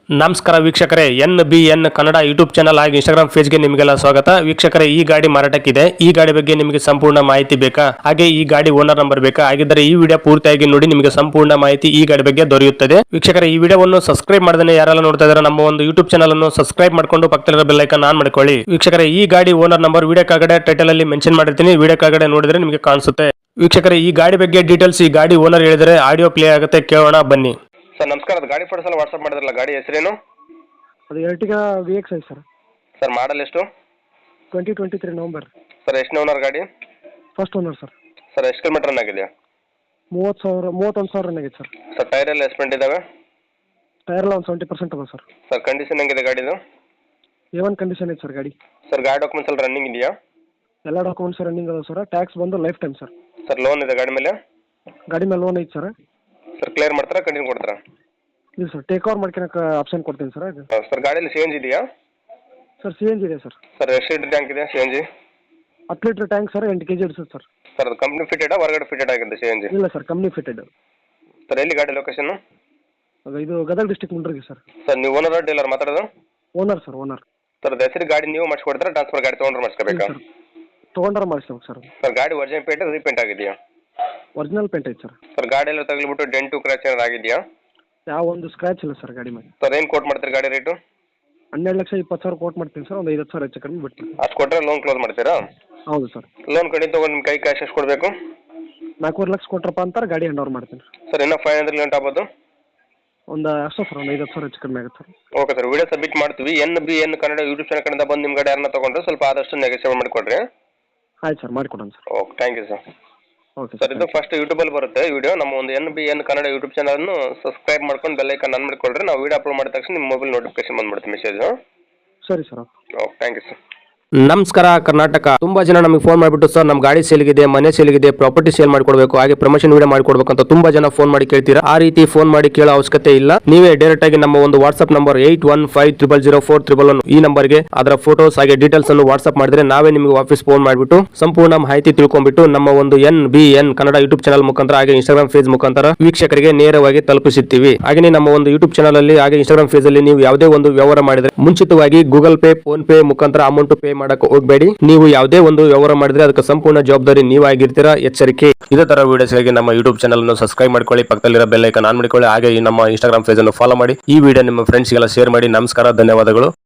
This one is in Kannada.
ನಮಸ್ಕಾರ ವೀಕ್ಷಕರೇ, NBN ಕನ್ನಡ ಯೂಟ್ಯೂಬ್ ಚಾನಲ್ ಹಾಗೂ ಇನ್ಸ್ಟಾಗ್ರಾಮ್ ಪೇಜ್ಗೆ ನಿಮಗೆಲ್ಲ ಸ್ವಾಗತ. ವೀಕ್ಷಕರೇ, ಈ ಗಾಡಿ ಮಾರಾಟಕ್ಕಿದೆ. ಈ ಗಾಡಿ ಬಗ್ಗೆ ನಿಮಗೆ ಸಂಪೂರ್ಣ ಮಾಹಿತಿ ಬೇಕಾ? ಹಾಗೆ ಈ ಗಾಡಿ ಓನರ್ ನಂಬರ್ ಬೇಕಾ? ಹಾಗಿದ್ದರೆ ಈ ವಿಡಿಯೋ ಪೂರ್ತಿಯಾಗಿ ನೋಡಿ, ನಿಮಗೆ ಸಂಪೂರ್ಣ ಮಾಹಿತಿ ಈ ಗಾಡಿ ಬಗ್ಗೆ ದೊರೆಯುತ್ತದೆ. ವೀಕ್ಷಕರೇ, ಈ ವಿಡಿಯೋವನ್ನು ಸಬ್ಸ್ಕ್ರೈಬ್ ಮಾಡದೇ ಯಾರೆಲ್ಲ ನೋಡ್ತಾ ಇದ್ದಾರೆ ನಮ್ಮ ಒಂದು ಯೂಟ್ಯೂಬ್ ಚಾನಲ್ ಅನ್ನು ಸಬ್ಸ್ಕ್ರೈಬ್ ಮಾಡ್ಕೊಂಡು ಪಕ್ಕದಲ್ಲಿರೋ ಬೆಲ್ ಐಕಾನ್ ಆನ್ ಮಾಡ್ಕೊಳ್ಳಿ. ವೀಕ್ಷಕರೇ, ಈ ಗಾಡಿ ಓನರ್ ನಂಬರ್ ವಿಡಿಯೋ ಕೆಳಗಡೆ ಟೈಟಲ್ ಅಲ್ಲಿ ಮೆನ್ಷನ್ ಮಾಡಿರ್ತೀನಿ, ವಿಡಿಯೋ ಕೆಳಗಡೆ ನೋಡಿದ್ರೆ ನಿಮಗೆ ಕಾಣಿಸುತ್ತೆ. ವೀಕ್ಷಕರೇ, ಈ ಗಾಡಿ ಬಗ್ಗೆ ಡೀಟೇಲ್ಸ್ ಈ ಗಾಡಿ ಓನರ್ ಹೇಳಿದರೆ ಆಡಿಯೋ ಪ್ಲೇ ಆಗುತ್ತೆ, ಕೇಳೋಣ ಬನ್ನಿ. ಸರ್ ನಮಸ್ಕಾರ, ಅದು ಗಾಡಿ ಫೋಟೋಸ್ ಎಲ್ಲ ವಾಟ್ಸ್ಆಪ್ ಮಾಡಿದ್ರಲ್ಲ, ಗಾಡಿ ಹೆಸರೇನು? ಅದು Ertiga VX5 sir. Sir model ಎಷ್ಟು? 2023 ನವಂಬರ್. ಸರ್ ಎಷ್ಟು ಓನರ್ ಗಾಡಿ? First owner sir. ಸರ್ ಎಷ್ಟು ಕಿಲೋಮೀಟರ್ ರನ್ ಆಗಿದೆ? 31,000 ರನ್ ಆಗಿದೆ ಸರ್. ಸರ್ ಟೈರ್ ಎಲ್ಲ ಎಸ್ಪೆಂಟ್ ಇದಾವೆ? ಟೈರ್ ಎಲ್ಲ ಒಂದು 70% ಅದ ಸರ್. ಸರ್ ಕಂಡೀಷನ್ ಹೆಂಗಿದೆ ಗಾಡಿದು? A1 ಕಂಡೀಷನ್ ಇದೆ ಸರ್ ಗಾಡಿ. ಸರ್ ಗಾಡಿ ಡಾಕ್ಯುಮೆಂಟ್ಸ್ ಎಲ್ಲ ರನ್ನಿಂಗ್ ಇದೆಯಾ? ಎಲ್ಲ ಡಾಕ್ಯುಮೆಂಟ್ಸ್ ರನ್ನಿಂಗ್ ಅದಾವೆ ಸರ್. ಟ್ಯಾಕ್ಸ್ ಬಂದು life time sir. Sir loan ಇದೆ ಗಾಡಿ ಮೇಲೆ? ಗಾಡಿ ಮೇಲೆ ಲೋನ್ ಐತೆ ಸರ್. ಸರ್ ಕ್ಲಿಯರ್ ಮಾಡ್ತಾರಾ, ಕಂಟಿನ್ಯೂ ಕೊಡ್ತಾರಾ? ಇಲ್ಲ ಸರ್, ಟೇಕ್ ಓವರ್ ಮಾಡ್ಕೊಳಕ್ಕೆ ಆಪ್ಷನ್ ಕೊಡ್ತೀನಿ ಸರ್. ಅದು ಸರ್ ಗಾಡಿಯಲ್ಲಿ CNG ಇದೆಯಾ? ಸರ್ CNG ಇದೆ ಸರ್. ಸರ್ ಎಷ್ಟು ಲೀಟರ್ ಟ್ಯಾಂಕ್ ಇದೆ CNG? 10 litre tank sir, 8 kg ಇಡಿಸುತ್ತೆ ಸರ್. ಸರ್ ಅದು ಕಂಪ್ನಿ ಫಿಟೆಡಾ ಹೊರಗಡೆ ಫಿಟೆಡ್ ಆಗಿದೆ CNG? ಇಲ್ಲ ಸರ್, ಕಂಪ್ನಿ ಫಿಟೆಡ್. ಸರ್ ಎಲ್ಲಿ ಗಾಡಿ ಲೊಕೇಶನ್? ಇದು ಗದಗ ಡಿಸ್ಟಿಕ್ ಮುಂಡ್ರಿಗೆ ಸರ್. ಸರ್ ನೀವು ಓನರ್ ಡೀಲರ್ ಮಾತಾಡೋದು? Owner sir, owner. ಸರ್ ಅದು ಹೆಸರು ಗಾಡಿ ನೀವು ಮಾಡಿಸ್ಕೊಡ್ತಾರೆ, ಟ್ರಾನ್ಸ್ಫರ್ ಗಾಡಿ ತೊಗೊಂಡ್ರೆ ಮಾಡಿಸ್ಕೋಬೇಕಾ? ತೊಗೊಂಡ್ರೆ ಮಾಡಿಸ್ಬೇಕು ಸರ್. ಸರ್ ಗಾಡಿ ಒರಿಜಿನಲ್ ಪೇಂಟ್ ರೀಪೇಂಟ್ ಆಗಿದೆಯಾ? ಒರಿಜಿನಲ್ ಪೇಂಟ್ ಐತೆ ಸರ್. ಸರ್ ಗಾಡಿ ಎಲ್ಲ ತಗಲಿಬಿಟ್ಟು ಡೆಂಟು ಕ್ರ್ಯಾಚ್ ಏನಾರು ಆಗಿದೆಯಾ? ಯಾವ ಒಂದು ಸ್ಕ್ರಾಚ್ ಇಲ್ಲ ಸರ್ ಗಾಡಿ ಮೇಲೆ. ಸರ್ ಏನು ಕೋಟ್ ಮಾಡ್ತೀರಿ ಗಾಡಿ ರೇಟು? 12,20,000 ಕೋಟ್ ಮಾಡ್ತೀನಿ ಸರ್. ಒಂದು 5,000 ಹೆಚ್ಚು ಕಡಿಮೆ ಬಿಡ್ತೀನಿ. ಅಷ್ಟು ಕೊಟ್ಟರೆ ಲೋನ್ ಕ್ಲೋಸ್ ಮಾಡ್ತೀರಾ? ಹೌದು ಸರ್. ಲೋನ್ ಕಡಿಮೆ ತೊಗೊಂಡು ನಿಮ್ಮ ಕೈ ಕ್ಯಾಶ್ ಎಷ್ಟು ಕೊಡಬೇಕು? 4,500,000 ಲಕ್ಷ ಕೊಟ್ರಪ್ಪ ಅಂತಾರೆ, ಗಾಡಿ ಹ್ಯಾಂಡ್ ಓವರ್ ಮಾಡ್ತೀನಿ. ಸರ್ ಇನ್ನೂ 500 ಲಿಮಿಟ್ ಆಗ್ಬೋದು? ಒಂದು ಅಷ್ಟೇ ಸರ್, ಒಂದು 5,000 ಹೆಚ್ಚು ಕಡಿಮೆ ಆಗುತ್ತೆ sir. Okay sir, video submit ಮಾಡ್ತೀವಿ. NBN ಕನ್ನಡ ಯೂಟ್ಯೂಬ್ ಚಾನಲ್ ಕಡೆಯಿಂದ ಬಂದು ನಿಮ್ಮ ಗಾಡಿ ಯಾರನ್ನ ತೊಗೊಂಡ್ರೆ ಸ್ವಲ್ಪ ಆದಷ್ಟು ನೆಗೋಸಿಯೇಟ್ ಮಾಡಿಕೊಡ್ರಿ. ಆಯ್ತು ಸರ್, ಮಾಡಿಕೊಡೋಣ sir. Okay, thank you sir. Okay sir, ಇದು ಫಸ್ಟ್ ಯೂಟ್ಯೂಬಲ್ಲಿ ಬರುತ್ತೆ ವಿಡಿಯೋ. ನಮ್ಮ ಒಂದು NBN ಕನ್ನಡ ಯೂಟ್ಯೂಬ್ ಚಾನಲನ್ನು ಸಬ್ಸ್ಕ್ರೈಬ್ ಮಾಡ್ಕೊಂಡು ಬೆಲ್ ಐಕಾನ್ ಆನ್ ಮಾಡಿಕೊಡ್ರಿ. ನಾವು ವಿಡಿಯೋ ಅಪ್ಲೋಡ್ ಮಾಡಿದ ತಕ್ಷಣ ನಿಮ್ಮ ಮೊಬೈಲ್ ನೋಟಿಫಿಕೇಶನ್ ಬಂದ್ಬಿಡುತ್ತೆ ಮೆಸೇಜು. ಸರಿ sir. Okay, thank you sir. ನಮಸ್ಕಾರ ಕರ್ನಾಟಕ. ತುಂಬಾ ಜನ ನಮಗೆ ಫೋನ್ ಮಾಡಿಬಿಟ್ಟು ಸರ್ ನಮ್ಮ ಗಾಡಿ ಸೇಲ್ಗಿದೆ, ಮನೆ ಸೇಲ್ಗಿದೆ, ಪ್ರಾಪರ್ಟಿ ಸೇಲ್ ಮಾಡ್ಕೊಡ್ಬೇಕು, ಹಾಗೆ ಪ್ರಮೋಷನ್ ವಿಡಿಯೋ ಮಾಡ್ಕೊಡ್ಬೇಕು ಅಂತ ತುಂಬಾ ಜನ ಫೋನ್ ಮಾಡಿ ಕೇಳ್ತೀರಾ. ಆ ರೀತಿ ಫೋನ್ ಮಾಡಿ ಕೇಳೋ ಅವಶ್ಯಕತೆ ಇಲ್ಲ. ನೀವೇ ಡೈರೆಕ್ಟ್ ಆಗಿ ನಮ್ಮ ಒಂದು ವಾಟ್ಸ್ಆಪ್ ನಂಬರ್ 81500411 ಈ ನಂಬರ್ಗೆ ಅದರ ಫೋಟೋಸ್ ಹಾಗೆ ಡೀಟೇಲ್ಸ್ ಅನ್ನು ವಾಟ್ಸ್ಆಪ್ ಮಾಡಿದ್ರೆ ನಾವೇ ನಿಮಗೆ ವಾಪಸ್ ಫೋನ್ ಮಾಡಿಬಿಟ್ಟು ಸಂಪೂರ್ಣ ಮಾಹಿತಿ ತಿಳ್ಕೊಂಡ್ಬಿಟ್ಟು ನಮ್ಮ ಒಂದು NBN ಕನ್ನಡ ಯೂಟ್ಯೂಬ್ ಚಾನಲ್ ಮುಖಾಂತರ ಹಾಗೆ ಇನ್ಸ್ಟಾಗ್ರಾಮ್ ಪೇಜ್ ಮುಖಾಂತರ ವೀಕ್ಷಕರಿಗೆ ನೇರವಾಗಿ ತಲುಪಿಸುತ್ತೀವಿ. ಹಾಗೆ ನಮ್ಮ ಒಂದು ಯೂಟ್ಯೂಬ್ ಚಾನಲ್ ಅಲ್ಲಿ ಹಾಗೆ ಇನ್ಸ್ಟಾಗ್ರಾಮ್ ಪೇಜ್ ಅಲ್ಲಿ ನೀವು ಯಾವುದೇ ಒಂದು ವ್ಯವಹಾರ ಮಾಡಿದ್ರೆ ಮುಂಚಿತವಾಗಿ ಗೂಗಲ್ ಪೇ, ಫೋನ್ ಪೇ ಮುಖಾಂತರ ಅಮೌಂಟ್ ಪೇ ಮಾಡಕ್ಕೆ ಹೋಗಬೇಡಿ. ನೀವು ಯಾವುದೇ ಒಂದು ವ್ಯವಹಾರ ಮಾಡಿದ್ರೆ ಅದಕ್ಕೆ ಸಂಪೂರ್ಣ ಜವಾಬ್ದಾರಿ ನೀವಾಗಿರ್ತೀರಾ, ಎಚ್ಚರಿಕೆ. ಇದೇ ತರ ವಿಡಿಯೋಸ್ಗಾಗಿ ನಮ್ಮ ಯೂಟ್ಯೂಬ್ ಚಾನಲ್ ಅನ್ನು ಸಬ್ಸ್ಕ್ರೈಬ್ ಮಾಡ್ಕೊಳ್ಳಿ, ಪಕ್ಕದಲ್ಲಿರೋ ಬೆಲ್ ಐಕಾನ್ ಆನ್ ಮಾಡಿಕೊಳ್ಳಿ, ಹಾಗೆ ನಮ್ಮ ಇನ್ಸ್ಟಾಗ್ರಾಮ್ ಪೇಜ್ ಅನ್ನು ಫಾಲೋ ಮಾಡಿ. ಈ ವಿಡಿಯೋ ನಿಮ್ಮ ಫ್ರೆಂಡ್ಸ್ಗೆಲ್ಲ ಶೇರ್ ಮಾಡಿ. ನಮಸ್ಕಾರ, ಧನ್ಯವಾದಗಳು.